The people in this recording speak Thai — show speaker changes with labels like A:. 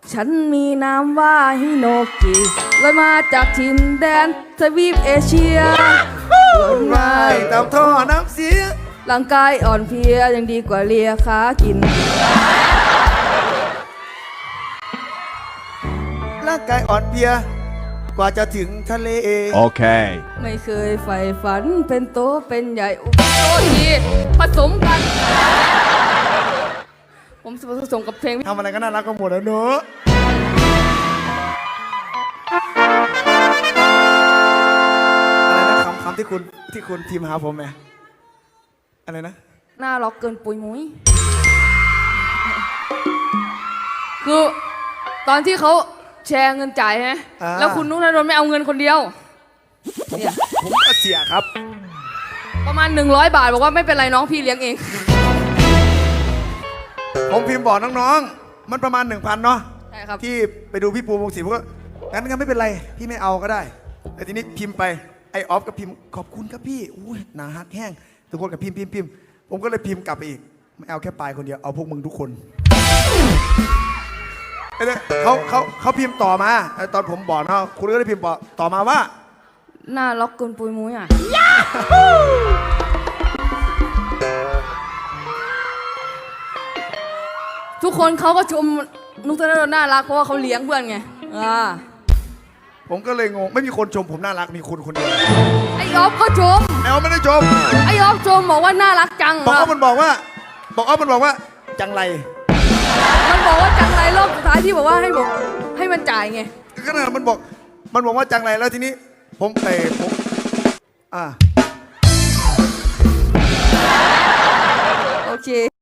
A: ฉันมีนามว่าฮิโนกิลอยมาจากถิ่นแดนทวีปเอเชียเกิดมา
B: ตามท่อน้ำเสีย
A: ร่างกายอ่อนเพลียยังดีกว่าเลียขากิน
B: ร่างกายอ่อนเพลียกว่าจะถึงทะเล
C: Okay.
A: ไม่เคยใฝ่ฝันเป็นโตเป็นใหญ่อุปโภคีผสมกัน ผมผสมกับเพลง
B: ทำอะไรก็น่ารักก็หมดแล้วเนอะอะไรนะคำที่คุณพิมพ์หาผมไหมอะไรนะ
A: หน้าล็อกเกินปุยมุ้ยคือตอนที่เขาแชร์เงินจ่ายใช่ไหมแล้วคุณนุ๊กธนดลไม่เอาเงินคนเดียวเนี่ย
B: ผมก็เสียครับ
A: ประมาณ100 บาทบอกว่าไม่เป็นไรน้องพี่เลี้ยงเอง
B: ผมพิมพ์บอกน้องๆมันประมาณ 1,000เนาะ
A: ใช่ครับ
B: ที่ไปดูพี่ปูวงศิลป์ผมก็งั้นไม่เป็นไรพี่ไม่เอาก็ได้แต่ทีนี้พิมพ์ไปไอออฟก็พิมพ์ขอบคุณครับพี่อุ้ยหนาฮักแห้งทุกคนก็พิมพ์ผมก็เลยพิมพ์กลับไปอีกไม่เอาแค่ปลายคนเดียวเอาพวกมึงทุกคนเขาพิมพ์ต่อมาตอนผมบอกเนาะคุณก็ได้พิมพ์ต่อมาว่า
A: หน้าล็อกเกินปุยมุ้ยอ่ะทุกคนเขาก็ชมนุ๊กธนดลน่ารักเพราะว่าเขาเลี้ยงเพื่อนไง
B: ผมก็เลยงงไม่มีคนชมผมน่ารักมีคุณคนเดียว
A: ไอออฟก็ชม
B: ไอออฟไม่ได้ชม
A: ไอออฟชมบอกว่าน่ารักจัง
B: บอกออฟมันบอกว่าจังไร
A: มันบอกว่าจังไรรอบสุดท้ายที่บอกว่าให้มันจ่ายไง
B: ก็นั่นมันบอกว่าจังไรแล้วทีนี้ผม
A: โอเค